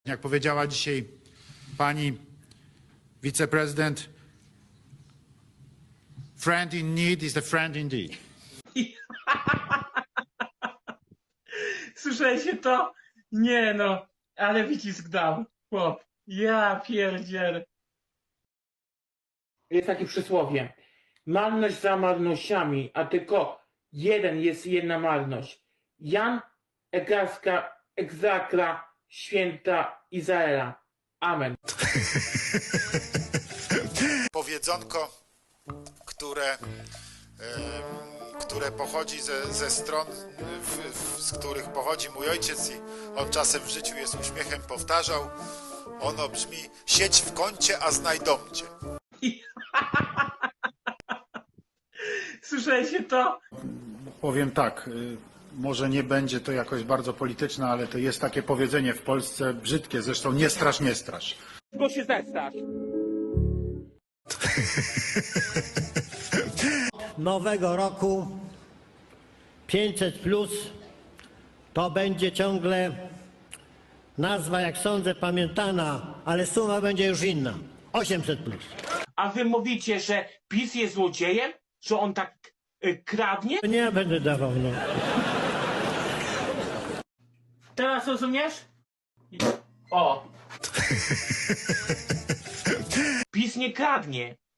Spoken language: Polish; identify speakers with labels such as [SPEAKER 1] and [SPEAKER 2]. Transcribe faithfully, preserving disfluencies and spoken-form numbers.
[SPEAKER 1] Jak powiedziała dzisiaj pani wiceprezydent, friend in need is a friend indeed.
[SPEAKER 2] Słyszeliście to? Nie no, ale wycisk dał, chłop. Ja pierdzielę. Jest takie przysłowie. Marność za marnościami, a tylko jeden jest jedna marność. Jan Egaska Egzakra Święta Izraela. Amen.
[SPEAKER 1] Powiedzonko, które, e, które pochodzi ze, ze stron, w, w, z których pochodzi mój ojciec i on czasem w życiu jest uśmiechem powtarzał. Ono brzmi: siedź w kącie, a znajdą cię.
[SPEAKER 2] Słyszeliście to?
[SPEAKER 1] Powiem tak, y, może nie będzie to jakoś bardzo polityczne, ale to jest takie powiedzenie w Polsce brzydkie, zresztą nie strasz, nie strasz.
[SPEAKER 2] Go się zestrasz.
[SPEAKER 3] Nowego roku pięćset plus to będzie ciągle nazwa, jak sądzę, pamiętana, ale suma będzie już inna. osiemset plus.
[SPEAKER 2] A wy mówicie, że PiS jest złodziejem? Że on tak y, kradnie?
[SPEAKER 3] Nie ja będę dawał, no.
[SPEAKER 2] Teraz rozumiesz? O. PiS nie kradnie.